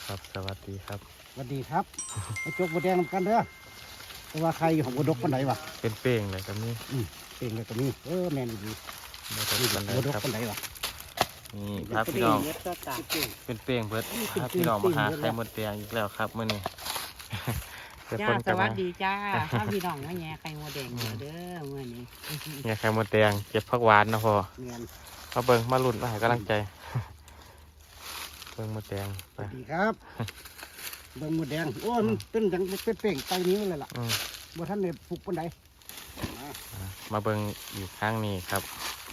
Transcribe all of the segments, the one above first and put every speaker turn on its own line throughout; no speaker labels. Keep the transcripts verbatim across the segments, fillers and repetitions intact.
ครับสวัสดีครับ
สวัสดีครับมาจกบัวแดงนำกันเด้อแต่ว่าใครของบัวดกปันไหนวะ
เป็นเป้งเลยครับนี่
อืมเป็นเลยก็มีเออแมนดี
มาจาก
นี่
กันเล
บัวย ดก
ครับ
ปันไหนวะ
นี่พาพี่น้อง
เก็บเก่ง
เป็นเป้งเบิด
นี่เป็น
พาพี่น้องมาหา
เป้งๆเบิด
ไข่มดแดงอีกแล้วครับมื้อนี้ เดี๋ยว
จ้า
เพิ่น
ส
กลับ
วั
มา
สดีจ้าถ้าพี่น้องมาแย่ไข่มดแดงอยู่เด้อเมื่อนี้
เนี่ยไข่มดแดงเก็บผักหวานนะพอ
แมน
มาเบิ่งมาลุ้นมาให้กำลังใจ เบิ่งมดแดง
ส
ไป
วัสดีครับเบิ่งบัวแดงโอ้ยมันเป็นอย่างเป็นเป่งไตนิ้วเลยล่ะ
อืม
บัวท่านเนี่ยปลูกปันไหน
อ่ะมาเบิ่งอีกครั้งนี้ครับ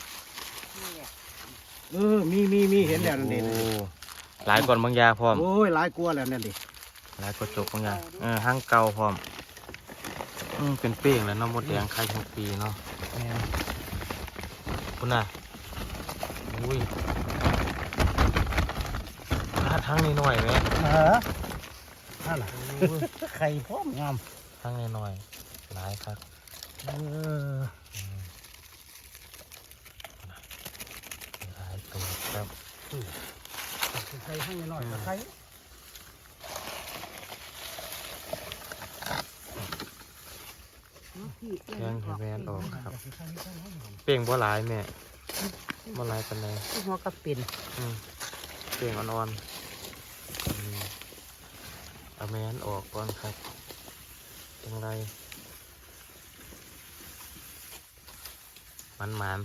เออมีมีมีเห็นแล้วนั่นเอง
โอ้หลายก่อนบางยาพร้อม
โอ้ยหลายกลัวแล้วนั่นดิ
หลายกระจกบางยาเออห้างเก่าพร้อมอืมเป็นเป้งแล้วเนาะมดแดงไข่ทุกปีเนาะ
แมน
คุณน่ะอุ้ยถ้าทั้งนี้หน่อยไหม
เออนั่นน่ะไข่พร้อมงาม
ทั้งนี้หน่อยหลายครับ
เออ
หลายตัวครับ
ไข่ให้หน่อยๆไข่
แยังให้แมนออกครับ เป่งบ่หลายแม่บ่หลายปานใด
หัวกระปิ่น
อืมเป่งอ่อนๆอืมเอาแมนออกก่อนครับจังไรมันมัน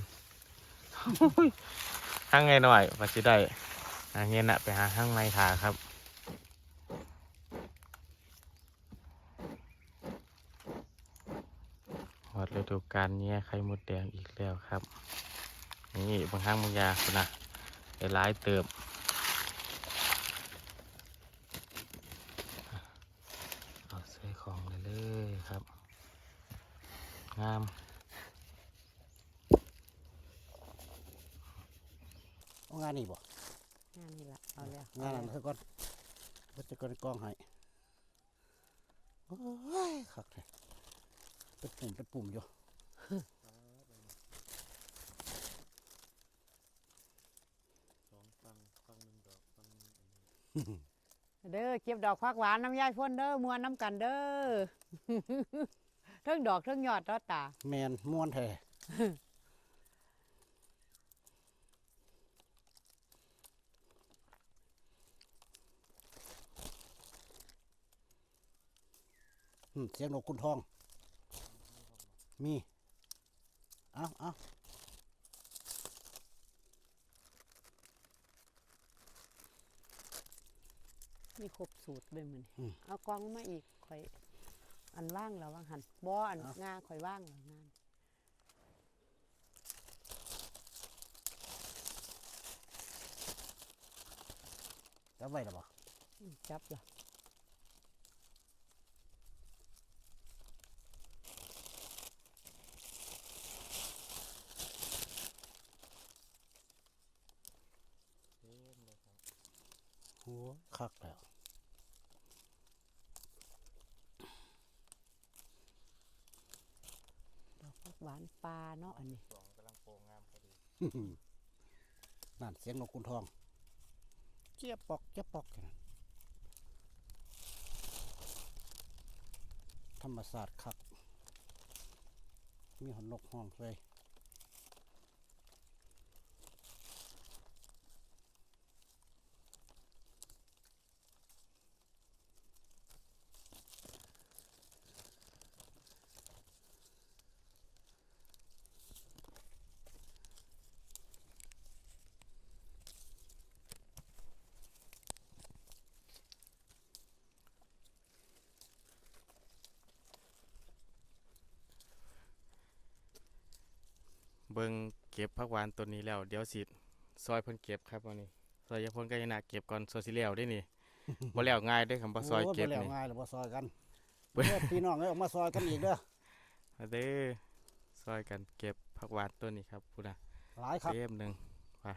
ๆข้างไงหน่อยว่าสิได้หาเงี้ยน่ะไปหาข้างในถาครับหมดฤดูกาลเนี้ยไข่มดแดงอีกแล้วครับนี่บางครั้งบางยาคุณนะได้หลายเติบเอาใส่ของเลยเลยครับงาม
เอางานนี่บ่
งานนี่ละเอาแล้ว
งานนั้นเถอะก่อนเพิ่นจะก่อนกองให้โอ้ยคักแท้เป็นปุ่มเป็นปุ่มอยู่
เด้อเก็บดอกฟักหวานน้ำยายพ่นเด้อมวนน้ำกันเด้อ เทิงดอกเทิงยอดตอตา
แมนม่วนแท้อืมเสียงนกคุณทอง มี เอาเอา
มีครบสูตรเลยมันเอากองมาอีกข่อยอันว่างแล้วว่างหันบ่อันงาข่อยว่างแล้วงาน
จับไว้แล้วบ่
อืมจับละ
โอ้คักแล้ว
ดอกฟักหวานปลาเนาะอันนี้
นั่นเสียงนกคุณทอง เจี๊ยบปอกเจี๊ยบปอกธรรมศาสตร์คัก มีหอนนกห้องเลย
เบิ่งเก็บผักหวานตัวนี้แล้วเดี๋ยวสิซอยเพิ่นเก็บครับวันนี้ซอยยาพ่นก็ยังน่าเก็บก่อนซอยสิแล้วได้นี่ บ่แล้วง่ายเด้อคำว่าซอยเก็บ
โบ่แล้ว
นี่
ง่ายหรือว่าซอยกัน
เบิ่ง
เด้อพี่น้องเอ้ยออกมาซอยกันอีกเด้อ
มาเด้อซอยกันเก็บผักหวานตัวนี้ครับพูดนะ
หลายครับ
เต็มหนึ่งไป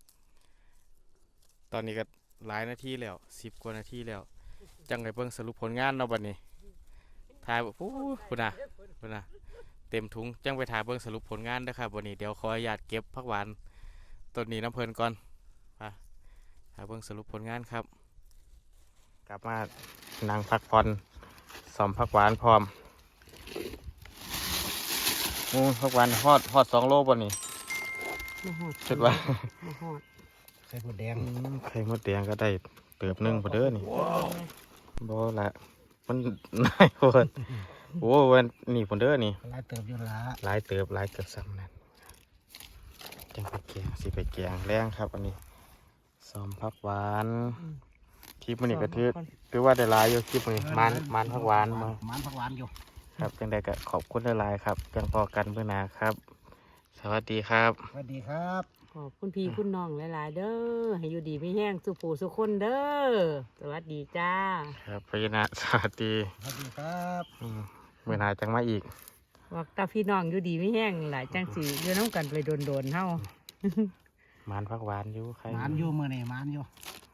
ตอนนี้ก็หลายนาทีแล้วสิบกว่านาทีแล้ว จังไงเบิ่งสรุปผลงานเนาะบัดนี้ถ่ายพูพูดนะพูดนะเต็มถุงจังไปถ่ายเบิ่งสรุปผลงานเด้อครับวันนี้เดี๋ยวขออนุญาตเก็บผักหวานต้นนี้น้ำเพลินก่อนไปถ่ายเบิ่งสรุปผลงานครับกลับมานั่งพักผ่อนซ้อมผักหวานพร้อมอู้ผักหวานฮอดฮอดสองโลบ่นี่
มาหอด
คิดว่า
มาหอด
ไข่มดแดง
อืมไข่มดแดงก็ได้เติบหนึงพอเด้อนี่บ่ละมัน นายโคตรโอ้วันนี่พอเด้อนี่
หลายเติบอยู่ละ
หลายเติบหลายเกือบซ้ำนั่นจังไปแกงสิไปแกงแรงครับ อันนี้ซ้อมผักหวานคลิปมันนี่ก็ถือถือว่าได้หลายอยู่คลิปนี้มันมันผักหวานมา
มันผักหวานอยู่
ครับจังใดก็ขอบคุณหลายๆครับจังพอกันเพื่อหนาครับ สวัสดีครับ
สวัสดีครับ
ขอบคุณพี่คุณน้องหลาย ๆ เด้อให้อยู่ดีไม่แห้งสุผูสุคนเด้อสวัสดีจ้า
ครับพยานะสวัสดี
สวัสดีครับ
อืมเมื่อหนาจังมาอีก
ว่าตาพี่น้องอยู่ดีไม่แห้งหลายจังสีอยู่น้ำกันไปโดนๆเฮา
มันผักหวานอยู่ใคร
หมานอยู่มือนี่หมานอยู่